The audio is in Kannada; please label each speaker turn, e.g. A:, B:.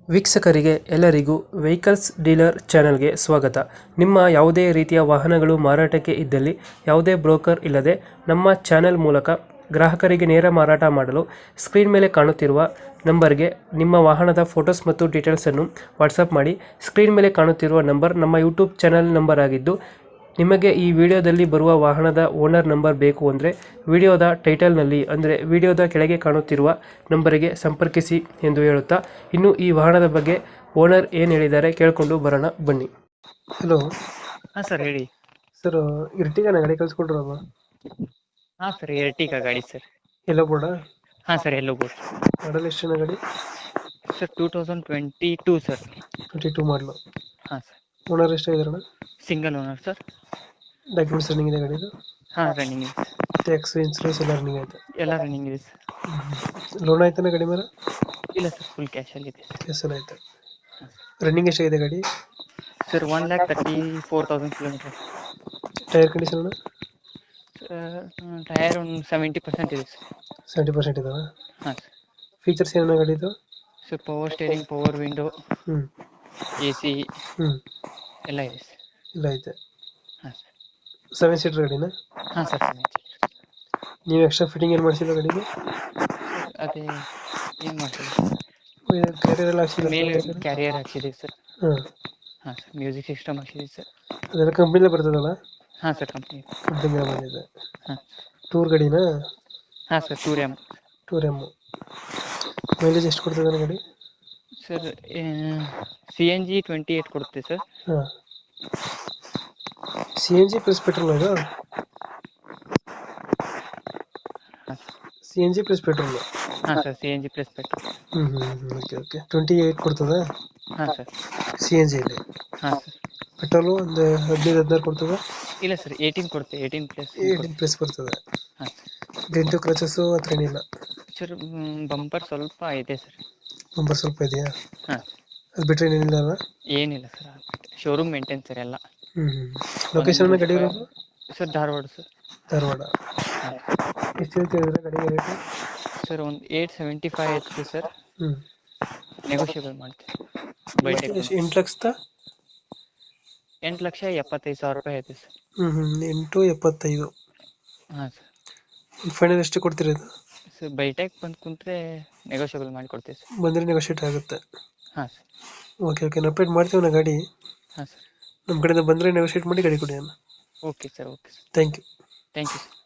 A: ವೀಕ್ಷಕರಿಗೆ ಎಲ್ಲರಿಗೂ ವೆಹಿಕಲ್ಸ್ ಡೀಲರ್ ಚಾನೆಲ್ಗೆ ಸ್ವಾಗತ. ನಿಮ್ಮ ಯಾವುದೇ ರೀತಿಯ ವಾಹನಗಳು ಮಾರಾಟಕ್ಕೆ ಇದ್ದಲ್ಲಿ ಯಾವುದೇ ಬ್ರೋಕರ್ ಇಲ್ಲದೆ ನಮ್ಮ ಚಾನೆಲ್ ಮೂಲಕ ಗ್ರಾಹಕರಿಗೆ ನೇರ ಮಾರಾಟ ಮಾಡಲು ಸ್ಕ್ರೀನ್ ಮೇಲೆ ಕಾಣುತ್ತಿರುವ ನಂಬರ್ಗೆ ನಿಮ್ಮ ವಾಹನದ ಫೋಟೋಸ್ ಮತ್ತು ಡೀಟೇಲ್ಸನ್ನು ವಾಟ್ಸಪ್ ಮಾಡಿ. ಸ್ಕ್ರೀನ್ ಮೇಲೆ ಕಾಣುತ್ತಿರುವ ನಂಬರ್ ನಮ್ಮ ಯೂಟ್ಯೂಬ್ ಚಾನೆಲ್ ನಂಬರ್ ಆಗಿದ್ದು, ನಿಮಗೆ ಈ ವಿಡಿಯೋದಲ್ಲಿ ಬರುವ ವಾಹನದ ಓನರ್ ನಂಬರ್ ಬೇಕು ಅಂದರೆ ವಿಡಿಯೋದ ಟೈಟಲ್ನಲ್ಲಿ ಅಂದರೆ ವಿಡಿಯೋದ ಕೆಳಗೆ ಕಾಣುತ್ತಿರುವ ನಂಬರಿಗೆ ಸಂಪರ್ಕಿಸಿ ಎಂದು ಹೇಳುತ್ತಾ, ಇನ್ನು ಈ ವಾಹನದ ಬಗ್ಗೆ ಓನರ್ ಏನು ಹೇಳಿದ್ದಾರೆ ಕೇಳಿಕೊಂಡು ಬರೋಣ ಬನ್ನಿ. ಹಲೋ
B: ಹಾಂ ಸರ್ ಹೇಳಿ.
A: ಸರ್, ಇರ್ಟಿಗಾನ ಗಾಡಿ ಕಳಿಸ್ಕೊಡ್ರಲ್ಲ?
B: ಹಾಂ ಸರ್ ಎರ್ಟಿಗಾ ಗಾಡಿ ಸರ್.
A: ಎಲ್ಲೋ ಬೋರ್ಡ?
B: ಹಾಂ ಸರ್ ಎಲ್ಲೋ ಬೋರ್ಡ್.
A: ಮಾಡಲ್ ಎಷ್ಟಿನ ಗಾಡಿ?
B: Sir 2022 sir.
A: 22 ಮಾಡಲು.
B: ಹಾಂ ಸರ್.
A: ಓನರ್ ಎಷ್ಟಾಗಿದಾರಣ?
B: Single owner sir.
A: Documents running ಇದೆ ಗಾಡಿದು?
B: ಹಾಂ ರನ್ನಿಂಗ್ ಇದೆ.
A: ಟ್ಯಾಕ್ಸ್ ಇನ್ಸೂರೆನ್ಸ್ ಎಲ್ಲ ರನ್ನಿಂಗ್ ಆಯ್ತು?
B: ಎಲ್ಲ ರನ್ನಿಂಗ್ ಇದೆ ಸರ್.
A: ಲೋನ್ ಆಯ್ತಾನ ಗಾಡಿ ಮೇಲೆ?
B: ಇಲ್ಲ ಸರ್, ಫುಲ್ ಕ್ಯಾಶಲ್ಲಿ ಇದೆ ಸರ್.
A: ಕೆಸಲ್ ಆಯ್ತು. ರನ್ನಿಂಗ್ ಎಷ್ಟಾಗಿದೆ ಗಾಡಿ?
B: Sir 1,34,000 kilometre.
A: Tyre condition?
B: Tyre ಒಂದು 70% ಇದೆ ಸರ್.
A: 70% ಇದಾವೆ.
B: ಹಾಂ ಸರ್.
A: ಫೀಚರ್ಸ್ ಏನೇನು ಗಾಡಿದು?
B: Sir power steering, power window,
A: ಹ್ಞೂ
B: AC
A: ಹ್ಞೂ
B: ಎಲ್ಲ ಇದೆ ಸರ್.
A: ಇಲ್ಲ ಐತೆ.
B: ಹಾಂ ಸರ್.
A: 7 ಸೀಟರ್ ಗಾಡಿನ?
B: ಹಾಂ ಸರ್.
A: ನೀವು ಎಕ್ಸ್ಟ್ರಾ ಫಿಟ್ಟಿಂಗ್ ಏನು ಮಾಡಿಸಿಲ್ಲ ಗಾಡಿಗೆ?
B: ಅದೇ ಏನು ಮಾಡ್ತೀವಿ
A: ಕ್ಯಾರಿಯರ್ ಎಲ್ಲ ಹಾಕ್ಸಿಲ್ಲ?
B: ಮೇಲೆ ಕ್ಯಾರಿಯರ್ ಹಾಕ್ಸಿದ್ದೀವಿ ಸರ್.
A: ಹಾಂ
B: ಹಾಂ ಸರ್. ಮ್ಯೂಸಿಕ್ ಸಿಸ್ಟಮ್ ಹಾಕ್ಸಿದ್ದೀವಿ ಸರ್.
A: ಅದೆಲ್ಲ ಕಂಪ್ನಿಲೇ ಬರ್ತದಲ್ಲ?
B: ಹಾಂ ಸರ್ ಕಂಪ್ನಿ.
A: ಕಂಪ್ನಿಗೆ ಬಂದಿದೆ.
B: ಹಾಂ
A: ಟೂರ್ ಗಾಡಿನಾ?
B: ಹಾಂ ಸರ್. ಟೂರ್
A: ಟೂರ್ ಮೈಲೇಜ್ ಎಷ್ಟು ಕೊಡ್ತದೆ ಗಾಡಿ?
B: ಸರ್ CNG 28 ಕೊಡುತ್ತೆ ಸರ್.
A: ಹಾಂ. CNG ಪ್ಲಸ್ ಪೆಟ್ರೋಲ್ ಅದು?
B: ಹಾಂ
A: CNG ಪ್ಲಸ್ ಪೆಟ್ರೋಲ್?
B: ಹಾಂ sir. CNG plus petrol.
A: Okay okay. 28 ಕೊಡ್ತದೆ
B: ಹಾಂ ಸರ್.
A: CNGಯಲ್ಲಿ?
B: ಹಾಂ ಸರ್.
A: ಪೆಟ್ರೋಲು ಒಂದು 15-16 ಕೊಡ್ತದೆ?
B: ಇಲ್ಲ ಸರ್ 18 ಕೊಡುತ್ತೆ. 18 ಪ್ಲಸ್.
A: 18 ಪ್ಲಸ್ ಬರ್ತದೆ.
B: ಹಾಂ.
A: ಡೆಂಟು ಕ್ರಚಸ್ಸು ಹತ್ರ ಏನಿಲ್ಲ?
B: ಸರ್ ಬಂಪರ್ ಸ್ವಲ್ಪ ಇದೆ ಸರ್.
A: ನಂಬರ್ ಸ್ವಲ್ಪ ಇದೆಯಾ?
B: ಹಾಂ.
A: ಅದು ಬಿಟ್ಟರೆ ಏನಿಲ್ಲ ಅಲ್ಲ?
B: ಏನಿಲ್ಲ ಸರ್. ಶೋರೂಮ್ ಮೇಂಟೈನ್ ಸರ್ ಎಲ್ಲ.
A: ಲೊಕೇಶನ್ ಗಾಡಿ ಇರೋದು?
B: Sir Dharwad sir.
A: ಧಾರವಾಡ.
B: ಹಾಂ.
A: ಎಷ್ಟು ಹೇಳ್ತಿದ್ರೆ ಗಾಡಿಗೆ ರೇಟು?
B: ಸರ್ ಒಂದು 875 ಐತೆ ಸರ್.
A: ಹ್ಞೂ.
B: ನೆಗೋಷಿಯೇಬಲ್ ಮಾಡ್ತೀವಿ. ಬೈಟೆಕ್ 8,75,000 ರೂಪಾಯಿ ಐತೆ ಸರ್.
A: 875.
B: ಹಾಂ ಸರ್.
A: ಫೈನಲ್ ಎಷ್ಟು ಕೊಡ್ತೀರಿ ಇದು?
B: ಸರ್ ಬೈಟೆಕ್ ಬಂದು ಕುಂತ್ರೆ ನೆಗೋಷಿಯೇಬಲ್ ಮಾಡಿ ಕೊಡ್ತೀವಿ ಸರ್.
A: ಬಂದರೆ ನೆಗೋಷಿಯೇಟ್ ಆಗುತ್ತೆ?
B: ಹಾಂ ಸರ್.
A: Okay okay. ನಾವು ಅಪ್ಡೇಟ್ ಮಾಡ್ತೀವಿ ನಾ ಗಾಡಿ.
B: ಹಾಂ ಸರ್.
A: ನಮ್ಮ ಕಡೆಯಿಂದ ಬಂದರೆ ನೆಗೋಷಿಯೇಟ್ ಮಾಡಿ ಗಾಡಿ ಕೊಡಿ ಅಣ್ಣ.
B: Okay sir. Okay sir.
A: Thank you.
B: Thank you sir.